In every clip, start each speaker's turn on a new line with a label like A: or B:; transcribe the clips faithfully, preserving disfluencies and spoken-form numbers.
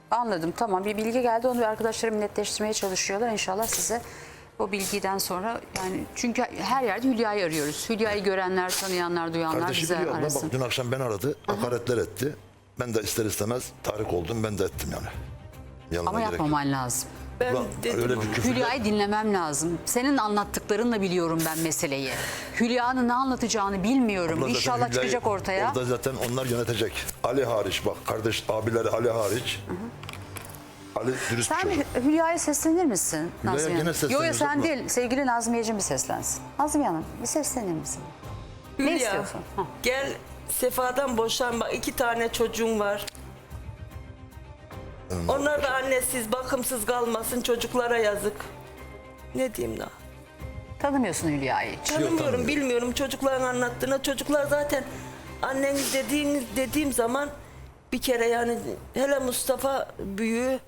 A: Anladım, tamam, bir bilgi geldi, onu arkadaşlarım netleştirmeye çalışıyorlar. İnşallah size o bilgiden sonra, yani çünkü her yerde Hülya'yı arıyoruz. Hülya'yı görenler, tanıyanlar, duyanlar
B: Kardeşi
A: bize
B: biliyor. Ben
A: arasın.
B: bak dün akşam beni aradı. Hakaretler etti. Ben de ister istemez tahrik oldum. Ben de ettim yani. Yanına
A: Ama
B: gerek yok.
A: yapmaman lazım.
C: Ben
B: Ulan
C: dedim
B: öyle
C: ona.
B: bir küfürler-
A: Hülya'yı dinlemem lazım. Senin anlattıklarınla biliyorum ben meseleyi. Hülya'nın ne anlatacağını bilmiyorum.
B: Abla zaten
A: İnşallah
B: Hülya'yı
A: çıkacak ortaya.
B: Orada zaten onlar yönetecek. Ali hariç bak, kardeş abileri Ali hariç. Ali dürüst bir
A: Sen
B: çocuk.
A: Hü- Hülya'ya seslenir misin
B: Hülya'ya
A: Nazmiye
B: gene
A: Hanım? Yok yok,
B: sesleniyoruz
A: sen
B: abla.
A: değil. Sevgili Nazmiyeciğim bir seslensin. Nazmiye Hanım bir seslenir misin? Ne
C: Hülya,
A: istiyorsun? Ha.
C: gel Sefa'dan boşan, bak iki tane çocuğum var. Onlar da annesiz, bakımsız kalmasın, çocuklara yazık. Ne diyeyim daha?
A: Tanımıyorsun Hülya'yı hiç.
C: Tanımıyorum,
B: tanımıyorum.
C: bilmiyorum çocukların anlattığına. Çocuklar zaten anneniz dediğiniz dediğim zaman bir kere, yani hele Mustafa büyüğü,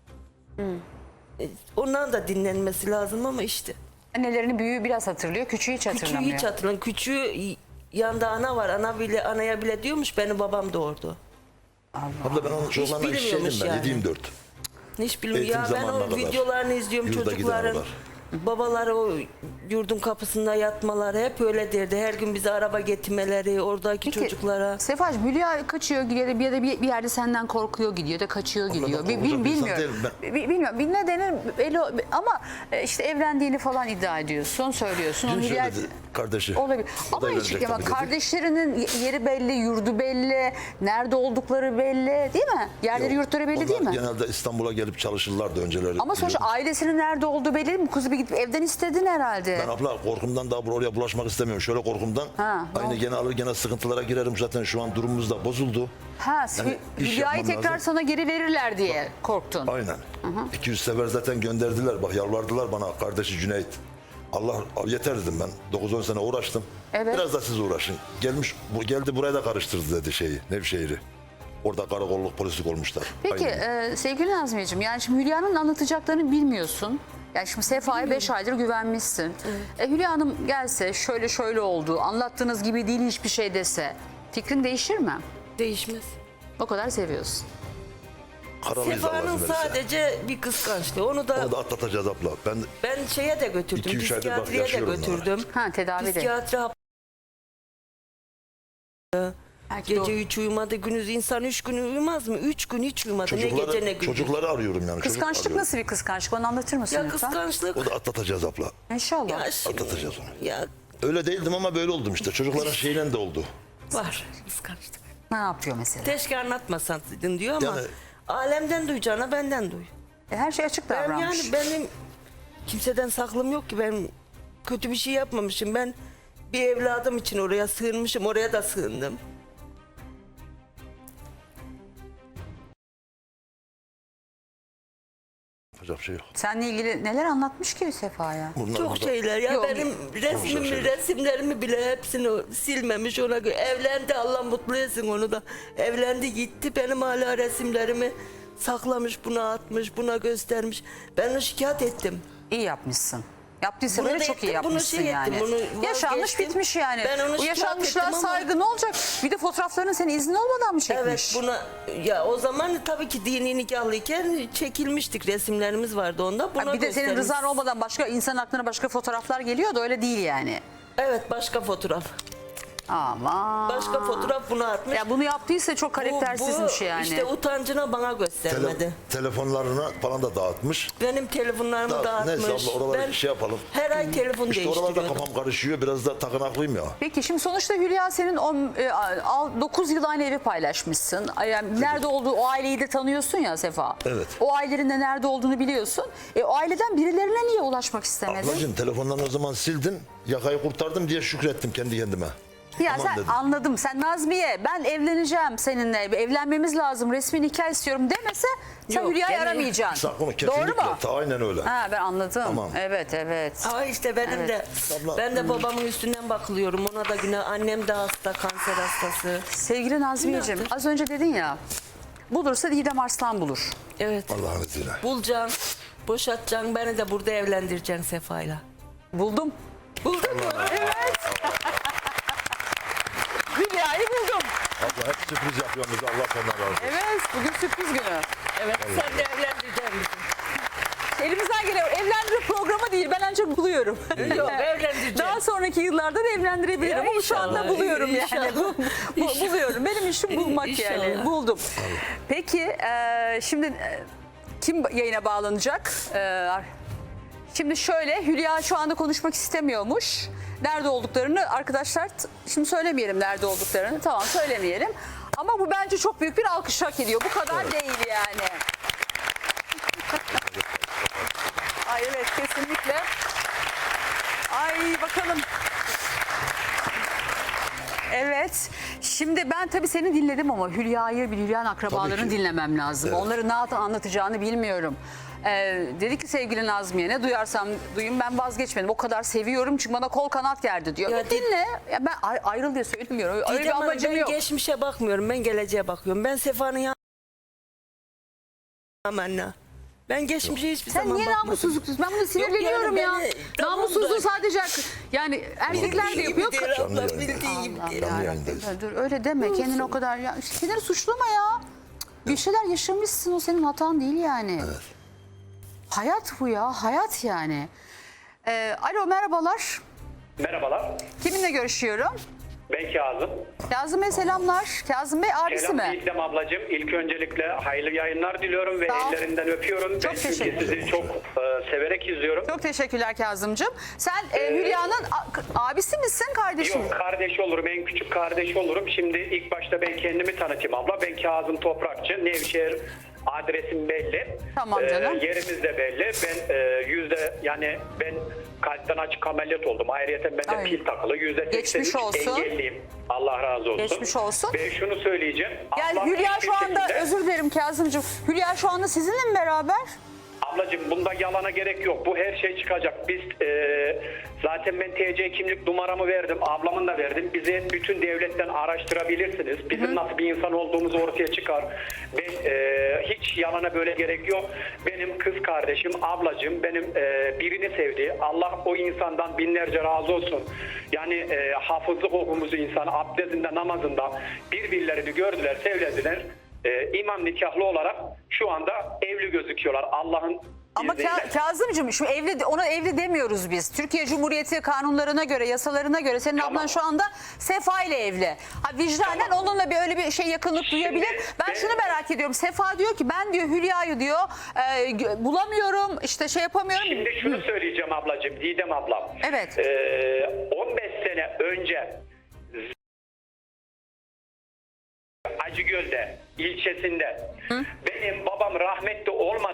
C: e, ondan da dinlenmesi lazım ama işte.
A: Annelerini büyüğü biraz hatırlıyor, küçüğü hiç
C: Küçüğü
A: hatırlamıyor.
C: hiç hatırlamıyorum. Küçüğü yanında ana var. Ana bile, anaya bile diyormuş beni babam doğurdu.
B: Abla ben onun çocuklarına işçiydim
C: bilmiyormuş
B: ben.
C: yani.
B: yediğim dört.
C: Hiç bilmiyorum.
B: Eğitim
C: Ya ben
B: zamanına
C: o
B: kadar
C: videolarını izliyorum,
B: yurda
C: çocukların.
B: giden var.
C: Babaları o yurdun kapısında yatmaları hep öyle derdi. Her gün bize araba getirmeleri, oradaki
A: Peki,
C: çocuklara.
A: Sefacığım, Hülya kaçıyor gidiyor da bir, ya da bir bir yerde senden korkuyor gidiyor da kaçıyor gidiyor.
B: ben
A: Bi-
B: korkacak
A: bil-
B: bir insan
A: bilmiyorum.
B: değilim
A: Bi- Bilmiyorum. Bir nedeni belli ama e, işte evlendiğini falan iddia ediyorsun, söylüyorsun.
B: Dün
A: Onu Hülya-
B: söyledi kardeşi.
A: Olabilir.
B: O da
A: Ama hiç
B: evlenecek
A: ama
B: tabii dedi.
A: kardeşlerinin yeri belli, yurdu belli, nerede oldukları belli, değil mi? Yerleri,
B: Yok,
A: yurtları belli
B: onlar
A: değil mi?
B: genelde İstanbul'a gelip çalışırlardı önceleri.
A: Ama sonuçta
B: biliyordum.
A: ailesinin nerede olduğu belli değil mi? Kızı bir gidip evden istedin herhalde.
B: Ben abla korkumdan daha buraya bulaşmak istemiyorum. Şöyle korkumdan.
A: Ha, ne
B: aynı
A: oldu?
B: gene alır gene sıkıntılara girerim. Zaten şu an durumumuz da bozuldu.
A: Ha,
B: Yani iş
A: Hülya'yı
B: yapmam
A: tekrar
B: lazım.
A: sana geri verirler diye korktun.
B: Aynen. iki yüz sefer zaten gönderdiler. Bak yalvardılar bana, kardeşi Cüneyt. Allah yeter dedim ben. dokuz on sene uğraştım.
A: Evet.
B: Biraz da siz uğraşın. Gelmiş bu geldi buraya da karıştırdı dedi şeyi. Nevşehir'i. Orada karakolluk polislik olmuşlar.
A: Peki
B: Aynen.
A: e, sevgili Nazmiyeciğim, yani şimdi Hülya'nın anlatacaklarını bilmiyorsun. Yani şimdi Sefa'ya beş aydır güvenmişsin. E, Hülya Hanım gelse şöyle şöyle oldu, anlattığınız gibi değil hiçbir şey dese fikrin değişir mi?
C: Değişmez.
A: O kadar seviyorsun.
B: Karalıyız Allah
C: Sefa'nın
B: izin verirse.
C: sadece bir kıskançlığı. Onu da
B: Onu da atlatacağız abla. Ben
C: ben şeye de götürdüm.
B: İki, üç aydır bak
C: Psikiyatriye de
B: yaşıyorum
C: götürdüm.
A: Ha, tedavi de.
C: Psikiyatri hap-
A: Belki de o-
C: Gece üç uyumadı, gündüz insan üç gün uyumaz mı? Üç gün hiç uyumadı. Ne gece ne
B: çocukları,
C: gündüz.
B: çocukları arıyorum yani. çocuk
A: Kıskançlık
B: arıyorum.
A: nasıl bir kıskançlık? Onu anlatır mısın
C: Ya
A: lütfen?
C: kıskançlık.
B: O da atlatacağız abla.
A: İnşallah.
C: Ya şimdi-
B: Atlatacağız onu.
C: Ya
B: Öyle değildim ama böyle oldum işte. Çocukların şeyle de oldu.
C: var kıskançlık.
A: Ne yapıyor mesela?
C: Keşke anlatmasaydın diyor ama
B: Yani-
C: alemden duyacağına benden duy.
A: E, her şey açık
C: Ben
A: davranmış.
C: yani benim kimseden saklım yok ki, ben kötü bir şey yapmamışım. Ben bir evladım için oraya sığınmışım, oraya da sığındım.
B: Yapacak bir şey yok.
A: Seninle ilgili neler anlatmış ki Sefa'ya?
B: Bunlar
C: Çok
B: burada-
C: şeyler ya,
A: Yok.
C: benim resmimi,
B: şeyler.
C: resimlerimi bile hepsini silmemiş, ona göre evlendi, Allah mutlu etsin onu da. Evlendi gitti, benim hala resimlerimi saklamış, buna atmış, buna göstermiş. Ben onu şikayet ettim.
A: İyi yapmışsın. Yaptıysa
C: Bunu
A: böyle
C: da
A: çok iyi
C: ettim, bunu
A: yapmışsın
C: şey
A: yani.
C: ettim, bunu
A: Yaşanmış
C: vazgeçtim.
A: bitmiş yani.
C: Ben onu
A: Bu
C: şikayet
A: yaşanmışlığa
C: ettim ama-
A: saygı ne olacak? Bir de fotoğraflarını senin iznin olmadan mı çekmiş?
C: Evet, buna ya o zaman tabii ki dini nikahlıyken çekilmiştik, resimlerimiz vardı onda. Buna
A: Ha, bir de senin
C: göstermiş.
A: rızan olmadan başka insan aklına başka fotoğraflar geliyor da öyle değil yani.
C: Evet, başka fotoğraf.
A: Aman.
C: Başka fotoğraf bunu atmış.
A: Ya bunu yaptıysa çok
C: Bu-
A: karaktersizmiş
C: bu
A: yani.
C: işte utancına bana
B: Tele-
C: göstermedi.
B: telefonlarına falan da dağıtmış.
C: Benim telefonlarımı
B: Da-
C: dağıtmış.
B: neyse abla, oraları
C: Ben
B: şey yapalım.
C: her ay telefon
B: İşte oralarda
C: değiştiriyordum.
B: kafam karışıyor. Biraz da takınaklıyım ya.
A: Peki şimdi sonuçta Hülya senin dokuz yıl aynı evi paylaşmışsın. Yani nerede olduğu o aileyi de tanıyorsun ya Sefa.
B: Evet.
A: O ailenin de nerede olduğunu biliyorsun. E, o aileden birilerine niye ulaşmak istemedin?
B: Ablacığım telefonlarını o zaman sildin. Yakayı kurtardım diye şükrettim kendi kendime.
A: Ya
B: Aman
A: sen
B: dedim.
A: anladım. Sen Nazmiye ben evleneceğim seninle. Evlenmemiz lazım. Resmi nikah istiyorum demese sen
C: Yok,
A: Hülya'yı
C: gene-
A: aramayacaksın.
B: Sakın,
A: Doğru
B: kesinlikle.
A: mu?
B: Ta- Aynen öyle.
A: Ha, ben anladım.
B: Tamam.
A: Evet evet.
C: Ama işte benim de
B: Abla-
C: ben de babamın üstünden bakılıyorum. Ona da günah. Annem de hasta, kanser hastası.
A: Sevgili Nazmiyeciğim
C: Günahtır.
A: az önce dedin ya bulursa Didem Arslan bulur.
C: Evet.
B: Allah'ın izniyle.
C: Bulacaksın, boşatacaksın, beni de burada evlendireceksin Sefa'yla.
A: Buldum.
C: Buldun mu?
A: Hülya'yı buldum.
B: Abla Hep sürpriz yapıyorsunuz. Allah senden razı olsun.
A: Evet, bugün sürpriz günü. Evet.
C: Sen de evlendirecek misin?
A: Elimizden gelen evlendirme programı değil. Ben ancak buluyorum.
C: Yok, evlendireceğim.
A: Daha sonraki yıllarda da evlendirebilirim.
C: Ya
A: Ama şu anda
C: inşallah,
A: buluyorum yani.
C: inşallah.
A: Bu- bu- buluyorum. Benim işim bulmak yani.
C: İnşallah.
A: Buldum. Peki e, şimdi e, kim yayına bağlanacak? E, şimdi şöyle, Hülya şu anda konuşmak istemiyormuş. Nerede olduklarını arkadaşlar t- şimdi söylemeyelim nerede olduklarını. Tamam, söylemeyelim. Ama bu bence çok büyük bir alkış hak ediyor. Bu kadar değil yani. Ay evet, kesinlikle. Ay bakalım. Evet. Şimdi ben tabii seni dinledim ama Hülya'yı, bir Hülya'nın akrabalarını
B: ki.
A: dinlemem lazım.
B: Evet.
A: Onları ne anlatacağını bilmiyorum. Ee, dedi ki sevgili Nazmiye, ne duyarsam duyayım, ben vazgeçmedim. O kadar seviyorum çünkü bana kol kanat gerdi diyor.
C: Ya
A: Ya dinle. Ya ben ay- ayrıl diye söylemiyorum. Öyle bir
C: Didem Hanım,
A: amacım
C: ben
A: yok.
C: geçmişe bakmıyorum. Ben geleceğe bakıyorum. Ben Sefa'nın yanına anne. Ben geçmişe hiçbir
A: Sen
C: zaman
A: niye
C: bakmadım.
A: namussuzluk diyorsun? Ben bunu sinirleniyorum
C: yani
A: ya.
C: beni- tamam
A: Namussuzluğu
C: da-
A: sadece yani erkekler de yapıyor.
C: Bildiği
B: Canlı
C: abla,
B: yayında.
C: bildiği gibi
A: Allah
C: değil.
B: Canlı
A: ya.
B: yayındayız.
A: Dur öyle deme, kendini o kadar ya. İşte kendini suçlama ya. Bir şeyler yaşamışsın, o senin hatan değil yani. Hayat bu ya, hayat yani. Ee, alo, merhabalar.
D: Merhabalar.
A: Kiminle görüşüyorum?
D: Ben Kazım.
A: Kazım Bey selamlar. Kazım Bey abisi
D: Selam
A: mi?
D: Didem ablacığım. İlk öncelikle hayırlı yayınlar diliyorum ve
A: Sağ ol.
D: ellerinden öpüyorum.
A: Çok
D: ben
A: teşekkür
D: çünkü sizi çok e, severek izliyorum.
A: Çok teşekkürler Kazımcığım. Sen e, Hülya'nın a- abisi misin, kardeşi mi?
D: Yok, kardeş olurum, en küçük kardeş olurum. Şimdi ilk başta ben kendimi tanıtayım abla. Ben Kazım Toprakçı. Nevşehir adresim belli.
A: Tamam canım.
D: Ee, yerimiz de belli. Ben e, yüzde yani ben kalpten açık ameliyat oldum. Ayrıca bende
A: Ay.
D: pil takılı. Yüzde seksen
A: Geçmiş
D: üç
A: olsun.
D: engelliyim. Allah razı olsun.
A: Geçmiş olsun.
D: Ben şunu söyleyeceğim.
A: Yani
D: Ablam
A: Hülya
D: hiçbir
A: şu anda,
D: şekilde-
A: özür dilerim Kazımcığım. Hülya şu anda sizinle mi beraber?
D: Ablacığım, bunda yalana gerek yok. Bu her şey çıkacak. Biz e, zaten ben T C kimlik numaramı verdim. Ablamın da verdim. Bizi bütün devletten araştırabilirsiniz. Bizim nasıl bir insan olduğumuz ortaya çıkar. Ben e, hiç yalana böyle gerek yok. Benim kız kardeşim, ablacığım benim e, birini sevdi. Allah o insandan binlerce razı olsun. Yani e, hafızlık okumuzu insan abdestinde, namazında birbirlerini gördüler, sevlediler. E, imam nikahlı olarak şu anda evli gözüküyorlar Allah'ın
A: Ama
D: izniyle.
A: Ka- Kazımcığım, şu evli, ona evli demiyoruz biz. Türkiye Cumhuriyeti kanunlarına göre, yasalarına göre senin
D: Tamam.
A: ablan şu anda Sefa ile evli. Ha, vicdanen
D: Tamam.
A: onunla bir öyle bir şey, yakınlık
D: Şimdi
A: duyabilir. Ben
D: ben-
A: şunu merak ediyorum. Sefa diyor ki ben diyor Hülya'yı diyor e, gö- bulamıyorum, işte şey yapamıyorum.
D: Şimdi şunu söyleyeceğim ablacığım, Didem ablam.
A: Evet.
D: Ee, on beş sene önce Acıgöl'de ilçesinde benim babam rahmetli olmadı.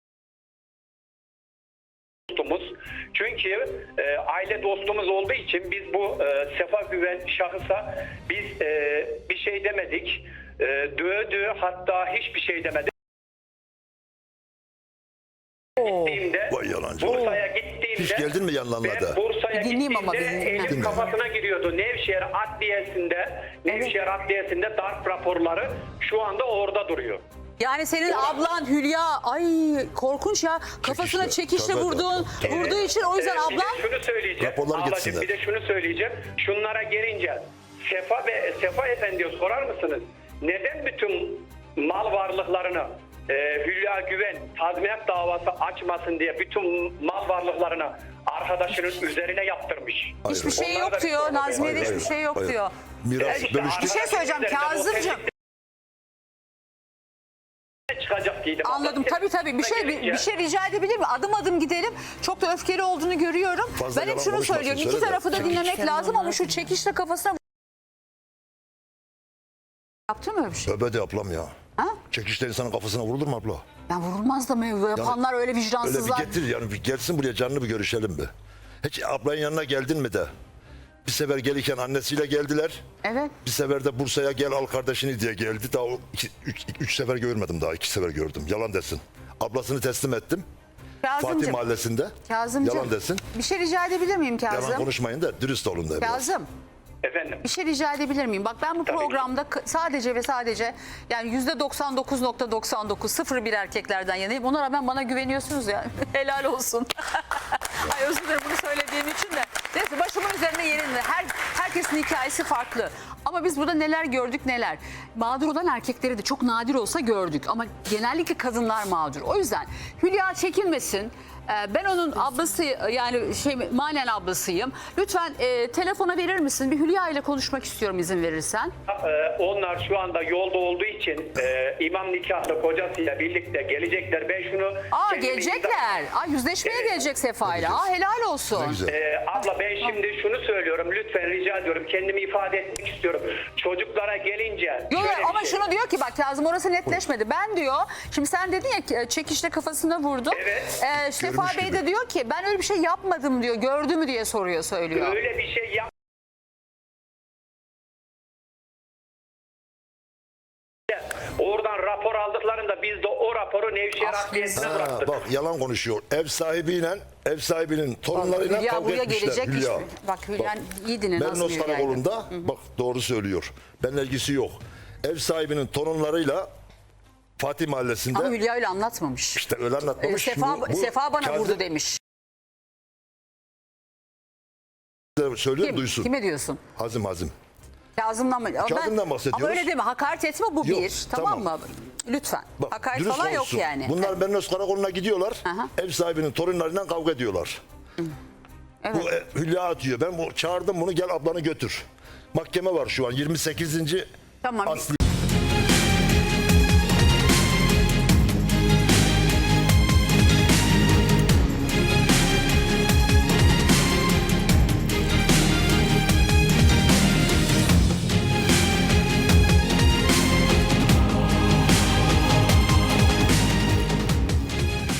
D: Dostumuz. Çünkü e, aile dostumuz olduğu için biz bu e, Sefa Güven şahısa biz e, bir şey demedik. E, dövdü, hatta hiçbir şey demedik. Gittiğimde,
B: Vay yalancı.
D: Bursa'ya gittiğimde
B: Hiç geldin mi yanlarına da?
D: ben Bursa'ya
A: Bir dinleyeyim ama
D: gittiğimde
A: bir dinleyeyim.
D: elim kafasına giriyordu. Nevşehir Adliyesi'nde Nevşehir Adliyesi'nde darp raporları şu anda orada duruyor.
A: Yani senin ablan Hülya, ay korkunç ya, kafasına
B: Çekişle,
A: çekişle
B: tabii,
A: vurduğun,
B: tabii.
A: vurduğu için o yüzden
D: Ee,
A: ablan...
D: Bir de şunu söyleyeceğim.
B: Raporlar
D: Ablacığım,
B: gitsinler.
D: bir de şunu söyleyeceğim. Şunlara gelince Sefa ve Sefa Efendi'ye sorar mısınız? Neden bütün mal varlıklarını e, Hülya Güven tazminat davası açmasın diye bütün mal varlıklarını arkadaşının üzerine yaptırmış?
B: Hayır,
A: Hiçbir şey
D: Onlar da
A: yok
D: bir
A: diyor.
D: sorun
A: Nazmiye'de
B: Hayır,
A: hiçbir
B: hayır,
A: şey yok
B: hayır.
A: diyor.
B: Miras
D: İşte
B: bölüştü.
A: Bir şey söyleyeceğim
D: arkadaşın üzerine
A: Kazımcığım.
D: otellikte çıkacak Didem abla.
A: Anladım, tabii tabii. Bir şey bir,
D: Gelince-
A: bir şey rica edebilir mi? Adım adım gidelim. Çok da öfkeli olduğunu görüyorum.
B: Fazla
A: ben hep
B: yalan
A: şunu
B: konuşmasın,
A: söylüyorum. İki
B: söyle de.
A: tarafı da
C: Tabii
A: dinlemek
C: ki
A: lazım
C: sen
A: ama şu çekişle kafasına... Yaptın mı öyle bir şey?
B: Tövbe de ablam ya.
A: Ha?
B: Çekişte insanın kafasına vurulur mu abla?
A: Ben vurulmaz da mı? Yapanlar öyle
B: Öyle
A: vicdansızlar.
B: bir getir yani, bir gelsin buraya, canlı bir görüşelim bir. Hiç ablanın yanına geldin mi de? Bir sefer gelirken annesiyle geldiler.
A: Evet.
B: Bir sefer de Bursa'ya gel al kardeşini diye geldi. Daha o iki, üç, üç sefer görmedim daha. iki sefer gördüm. Yalan desin. Ablasını teslim ettim. Fatih
A: Kazımcığım.
B: Mahallesi'nde.
A: Kazımcığım.
B: Yalan desin.
A: Bir şey rica edebilir miyim
B: Yalan
A: Kazım?
B: konuşmayın da dürüst olun da. biraz.
A: Kazım.
D: Efendim.
A: Bir şey rica edebilir miyim? Bak ben bu
D: Tabii ki.
A: programda k- sadece ve sadece yani yüzde doksan dokuz nokta doksan dokuz sıfır bir erkeklerden yanayım. Ona rağmen bana güveniyorsunuz ya. Helal olsun. Ay özür dilerim bunu söylediğim için de. Neyse, başımın üzerine yerinde. Her, herkesin hikayesi farklı. Ama Ama biz burada neler gördük neler. Mağdur olan erkekleri de çok nadir olsa gördük. Ama genellikle kadınlar mağdur. O yüzden Hülya çekinmesin. Ee, Ben onun ablası, yani şey manen ablasıyım. Lütfen e, telefona verir misin? Bir Hülya ile konuşmak istiyorum izin verirsen.
D: Ee, onlar şu anda yolda olduğu için e, imam nikahlı kocasıyla birlikte gelecekler. Ben şunu...
A: Aa
D: kendimi
A: gelecekler. Aa yüzleşmeye
D: Evet.
A: gelecek Sefa'yla. Aa helal olsun.
B: Ne güzel.
D: Ee, abla ben şimdi şunu söylüyorum. Lütfen rica ediyorum. Kendimi ifade etmek istiyorum. Çocuklara gelince...
A: Yok
D: şöyle bir
A: ama
D: şey-
A: şunu diyor ki bak Kazım orası netleşmedi. Ben diyor şimdi sen dedin ya ki, çekişle kafasına vurdum.
D: Evet.
A: Ee, Sefa
B: Görmüş
A: Bey
B: gibi.
A: de diyor ki ben öyle bir şey yapmadım diyor. Gördü mü diye soruyor söylüyor.
D: Öyle bir şey yap. Oradan rapor aldıklarında biz de o raporu Nevşehir
A: Ah,
D: Adliyesi'ne
B: Ha,
D: bıraktık.
B: bak yalan konuşuyor. Ev sahibiyle ev sahibinin torunlarıyla
A: Hülya
B: kavga
A: buraya
B: etmişler.
A: gelecekmiş.
B: Hülya.
A: Bak Hülya iyi dinle nasıl
B: Mernos
A: Hülya'ydı.
B: karakolunda bak doğru söylüyor. Benimle ilgisi yok. Ev sahibinin torunlarıyla Fatih Mahallesi'nde
A: Ama Hülya öyle anlatmamış.
B: işte öyle
A: Ee,
B: anlatmamış.
A: Sefa,
B: Bu- bu
A: Sefa bana
B: Kazım
A: vurdu demiş.
B: Söylüyor
A: Kim?
B: duysun.
A: Kime diyorsun?
B: Hazım Hazım.
A: Kazım'dan mı? Ama
B: Kazım'dan bahsediyoruz.
A: Ama öyle deme hakaret etme bu
B: Yok,
A: bir. Tamam,
B: tamam.
A: mı? Lütfen.
B: Bak,
A: hakaret
B: dürüst
A: falan yok
B: konuşsun.
A: yani.
B: Bunlar Mernos karakoluna gidiyorlar.
A: Aha.
B: Ev sahibinin torunlarıyla kavga ediyorlar.
A: Evet.
B: Bu e, Hülya atıyor. Ben bu çağırdım bunu gel ablanı götür. Mahkeme var şu an yirmi sekizinci
A: Tamam.
B: asli